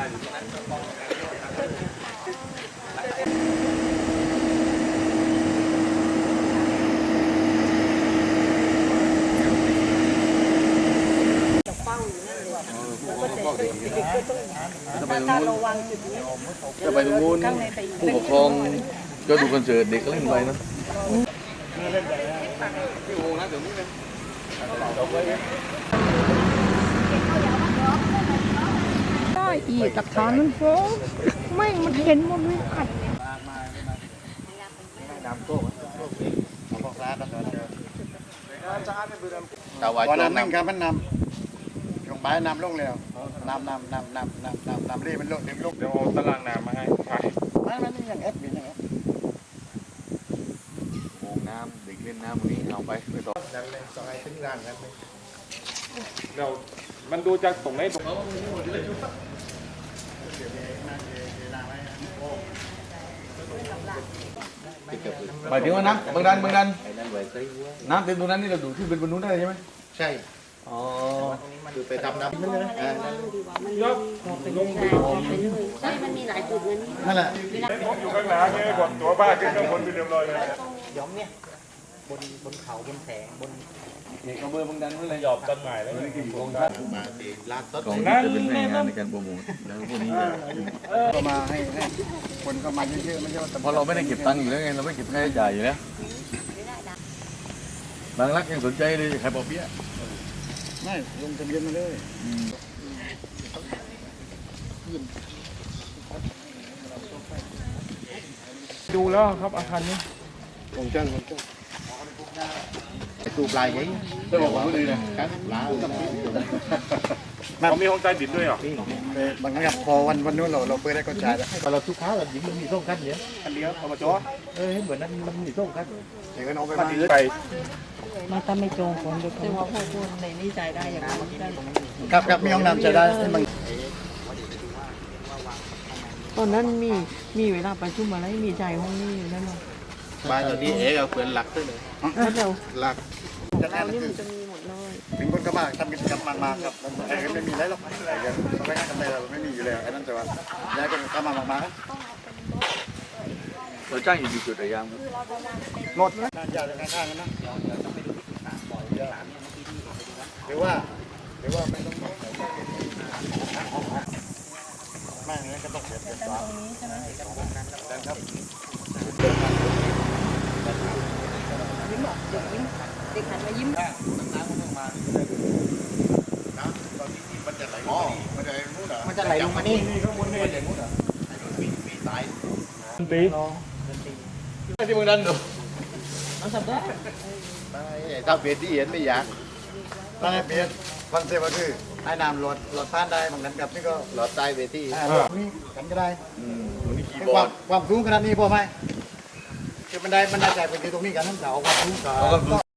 จะไปตรงนู้นจะไปตรงนู้นผู้ปกครองก็ดูคอนเสิร์ตเด็กก็เล่นไปนะได้อีกหลักฐานมันฟ้องไม่มันเห็นหมดเลยอัดวันนั้นนั่งกันมันนำลงไปนำลงแล้วนำเรียมันลงดึงลงเดี๋ยวเอาตารางน้ำมาให้ใช่มันนี่ยังเอฟบียังเอฟโอ่งน้ำเด็กเล่นน้ำวันนี้เอาไปต่อดันเลยสไลด์ถึงร้านกันเลยเดี๋ยวมันดูจากตรงไหนตรงหมายถึงว่าน้ำบางดันน้ำเต็มตรงนั้นนี่เราดูที่เป็นบนนู้นได้ใช่ไหมใช่อ๋อคือไปทำน้ำนั่นเลยยกลงไปใช่มันมีหลายจุดนั้นนั่นแหละอยู่ข้างหลังเนี่ยกดตัวบ้าขึ้นข้างบนไปเรียบร้อยเลยย้อมเนี่ยบนเขาบนแสงบนเอกเบอร์บางดันนั่นเลยหยอบต้นไม้แล้วมาตีร้านต้นกองจะเป็นแรงงานในการโปรโมทแล้วพวกนี้จะก็มาให้คนก็มาเยอะๆไม่ใช่ว่าเพราะเราไม่ได้เก็บตังค์อยู่แล้วไงเราไม่เก็บค่าใช้จ่ายอยู่แล้วบางรักยังสนใจเลยขายปอเปี๊ยะไม่ลงทะเบียนมาเลยดูแล้วครับอาคารนี้ผมเจ้าไอ้ตูปลายไงจะบอกว่าดีนะครับลาวเขามีห้องใต้ดินด้วยเหรอบางครั้งพอวันนู้นเราเปิดได้ก็จ่ายแล้วเราทุกครั้งเราหญิงมันมีส่งกันเนี่ยอันเดียวเอามาจอเหมือนนั้นมันมีส่งกันเดี๋ยวก็น้องไปไปมาไปมาถ้าไม่จองคนเดี๋ยวแต่ว่าพอคุณในนี้ใจได้อย่างนั้นได้ครับมีห้องน้ำจะได้ให้มันตอนนั้นมีเวลาประชุมอะไรมีใจห้องนี้อยู่นั่นหรอบ้านเรานี่เอ๋เอาเปิดหลักด้วยเลยแล้วเราหลักจะเราแน่นนี่คืมัอนจะมีหมดเลยถึงคนก็มาทำกิจกรรมมาครับแต่ก็ไม่มีอะไรหรอกอะไรกันสมัยนั้นทำไมเราไม่มีอยู่แล้วไอ้นั่นแต่ว่าย้ายคนก็มาเราจ้างอยู่กี่จุดอะยามครับรถนะยาวจากข้างๆกันนะหรือว่าไม่ต้องไม่งั้นก็ต้องเสียฟ้าครับยิ้มบอกเด็กยิ้มเด็กหันมายิ้มน้ำตอนนี้มันจะไหลมันจะไหลมุดเหรอมันจะไหลลงมานี่มันจะมุดเหรอมีสายตีที่บางดันดูถ้าเปลี่ยนที่เห็นไม่อยากถ้าให้เปลี่ยนคอนเซ็ปต์ก็คือให้น้ำหลอดผ่านได้บางนั้นกับนี่ก็หลอดใต้เวทีนี่กันก็ได้วันนี้คีย์บคอวาร์มดความสูงขนาดนี้พอไหมคือมันได้ใจไปที่ตรงนี้กันนั่นแต่เอาความสูงเอาก็